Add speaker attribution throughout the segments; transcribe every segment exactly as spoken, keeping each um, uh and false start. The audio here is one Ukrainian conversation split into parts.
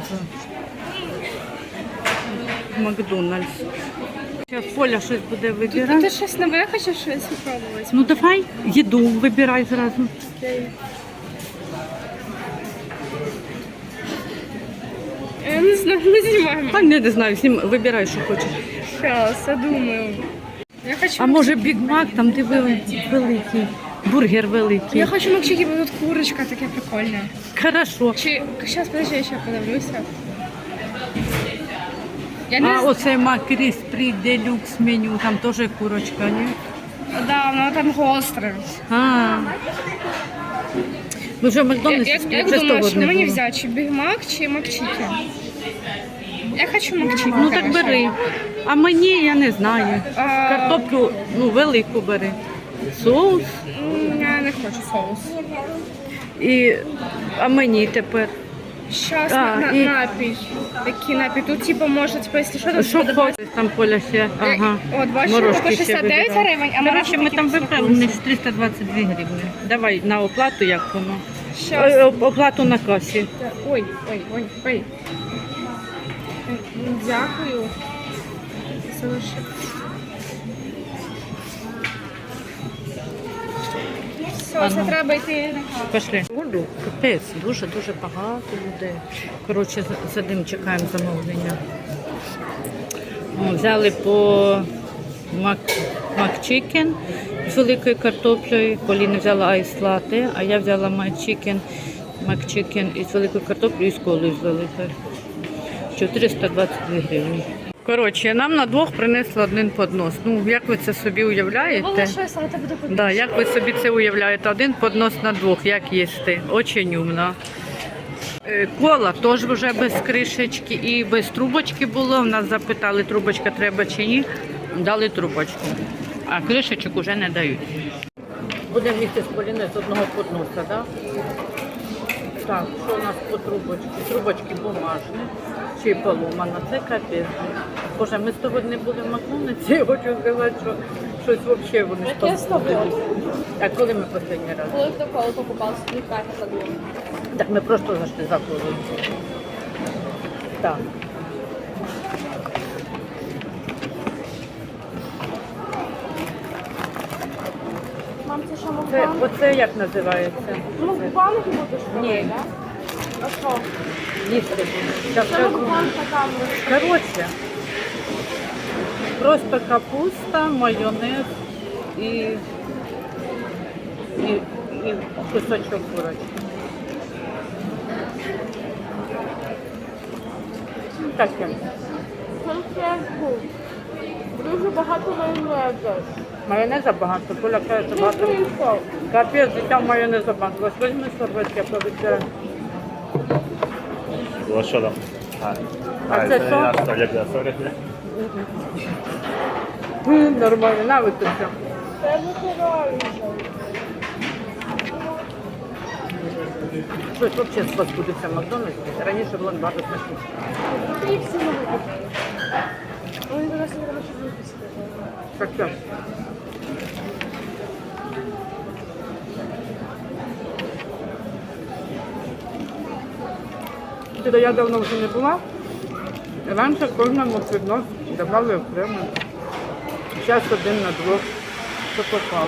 Speaker 1: за Макдональдс. Зараз Поля щось буде
Speaker 2: Тут
Speaker 1: вибирати.
Speaker 2: ти щось нове хочеш щось спробувати?
Speaker 1: Ну давай, їду вибирай зразу.
Speaker 2: Окей. Я не знаю, ми знімаємо.
Speaker 1: Та не, не знаю, всім вибирай, що хочеш.
Speaker 2: Зараз, я думаю. Я хочу...
Speaker 1: А може Біг Мак, там де вели- великий, бургер великий.
Speaker 2: Я хочу макчики, бо тут курочка таке прикольне.
Speaker 1: Хорошо.
Speaker 2: Чи... Зараз, подожди, я ще подивлюся. Я не
Speaker 1: А
Speaker 2: знаю.
Speaker 1: оце Макріс при делюкс меню, там теж курочка, ні?
Speaker 2: Да, воно там гостре.
Speaker 1: А. Ну вже в
Speaker 2: Я-
Speaker 1: Макдональдсі
Speaker 2: Як, як
Speaker 1: вже
Speaker 2: думаєш,
Speaker 1: того
Speaker 2: що
Speaker 1: не
Speaker 2: мені
Speaker 1: було.
Speaker 2: взяти, чи Біг Мак, чи Макчики? Я хочу Макчики.
Speaker 1: Ну так бери. А мені я не знаю.
Speaker 2: А,
Speaker 1: Картоплю, ну, велику бери. Соус.
Speaker 2: м, Я не хочу соус.
Speaker 1: І, а мені тепер.
Speaker 2: Щас
Speaker 1: А,
Speaker 2: на, на,
Speaker 1: і-
Speaker 2: напій. Який напій? Тут типу може, типу, якщо що, тут
Speaker 1: Що
Speaker 2: буде
Speaker 1: хочеш, там Поля ще. Ага.
Speaker 2: От, бачиш,
Speaker 1: Морожки
Speaker 2: по
Speaker 1: ще
Speaker 2: шістдесят дев'ять
Speaker 1: вибирай.
Speaker 2: гривень, а
Speaker 1: Коротше,
Speaker 2: морожки
Speaker 1: ми там
Speaker 2: тільки
Speaker 1: вибрали у них триста двадцять дві гривні. Давай на оплату, як воно.
Speaker 2: Щас.
Speaker 1: Ой, оп- оплату на касі.
Speaker 2: Ой, ой, ой, ой. Дякую. Залишив. Все, це треба йти.
Speaker 1: Пішли. Олю, капець, дуже-дуже багато людей. Коротше, за- сидимо, чекаємо замовлення. О, взяли по мак, макчикен з великою картоплею. Поліна взяла айс-лати, а я взяла макчикен, макчикен із великою картоплею і з колою з великою. чотириста двадцять дві гривні. Коротше, нам на двох принесли один поднос. Ну, як ви це собі уявляєте?
Speaker 2: щось, але тебе буде.
Speaker 1: Да, як ви собі це уявляєте? Один поднос на двох, як їсти? Очень умно. Е, Кола теж вже без кришечки і без трубочки було. В нас запитали, трубочка треба чи ні. Дали трубочку. А кришечок вже не дають. Будемо їсти з Поліною з одного подноса, так? Да? Так, що у нас по трубочці? Трубочки бумажні. Чи поломана, це капець. Боже, ми з того не були в Макдональдсі, я хочу сказати, що щось взагалі вони ж
Speaker 2: Я з тобою.
Speaker 1: А коли ми останній раз?
Speaker 2: Коли хто коло покупав, собі кайф задумав.
Speaker 1: Так ми просто зайшли за колою. Так.
Speaker 2: Мам, це що,
Speaker 1: Це,
Speaker 2: мукбанг?
Speaker 1: оце як називається?
Speaker 2: Мукбанг будеш робити,
Speaker 1: Ні.
Speaker 2: так? А що?
Speaker 1: Їсти. Зараз
Speaker 2: Це
Speaker 1: скажу.
Speaker 2: мукбанг на камеру.
Speaker 1: Коротше, просто капуста, майонез і, і, і кусочок курочки. Ну, таке.
Speaker 2: Конфетку. Дуже багато майонезу.
Speaker 1: Майонеза багато, Коля каже, що багато.
Speaker 2: Тихо.
Speaker 1: Капець, дитя майонеза багато. Ось візьми серветки, я повечеряю.
Speaker 3: Ось що там? А,
Speaker 1: А це що?
Speaker 3: я що, як я сорі?
Speaker 1: М, Нормально, на витримка.
Speaker 2: Це витираю.
Speaker 1: Щось взагалі з вас буде в Макдональдсі. Раніше було багато смачних.
Speaker 2: Ти їх всі не випустиш. Вони до нас не треба щось випустити.
Speaker 1: Так що? Туди я давно вже не була. Раніше кожному піднос давали окремо. Зараз один на двох. Що попало.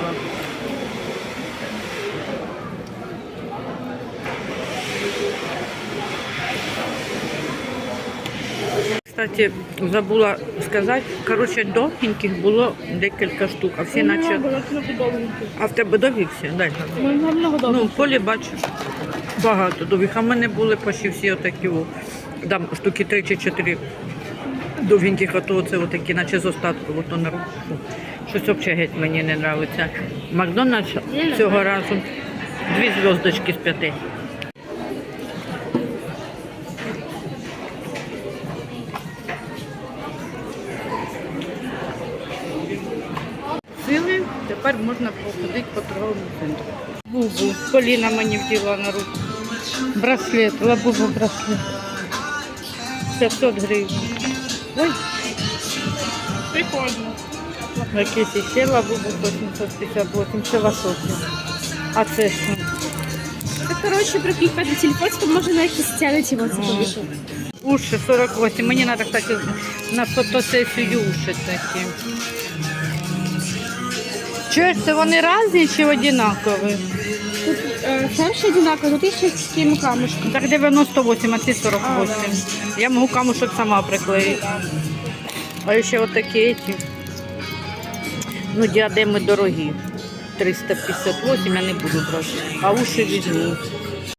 Speaker 1: Кстати, забула сказати, коротше, довгеньких було декілька штук, а всі наче...
Speaker 2: Було трохи довгенько.
Speaker 1: А в тебе довгі всі? Дай.
Speaker 2: Ми много довго.
Speaker 1: Ну, в полі бачу багато довгих, а в мене були почти всі отакі, о, там штуки три чи чотири довгеньких, а то це отакі, наче з остатку, ото на руку. Щось взагалі геть мені не подобається. Макдональдс цього разу дві зв'язочки з п'яти. Сили, тепер можна походити по торговому центру. Бубу. Поліна мені вділа на руку. Браслет, лабубу браслет. п'ятсот гривень. Ой,
Speaker 2: Прикольно.
Speaker 1: якийсь ще лабубу по сімсот п'ятдесят вісім, це високий. А це що?
Speaker 2: Це коротше, прикріпити на телефон, то може на якісь стягнути його, це повіше.
Speaker 1: Уші сорок вісім. Мені треба, кстати, на фотосесію уші такі. Чуєш, це вони різні чи однакові?
Speaker 2: Тут е, перший одинаковий, тут є ще з такими камушками.
Speaker 1: Так дев'яносто вісім, а ці сорок вісім. Я можу камушок сама приклеїти. А ще отакі ці. Ну, діадеми дорогі. триста п'ятдесят вісім я не буду брати. А уші візьму.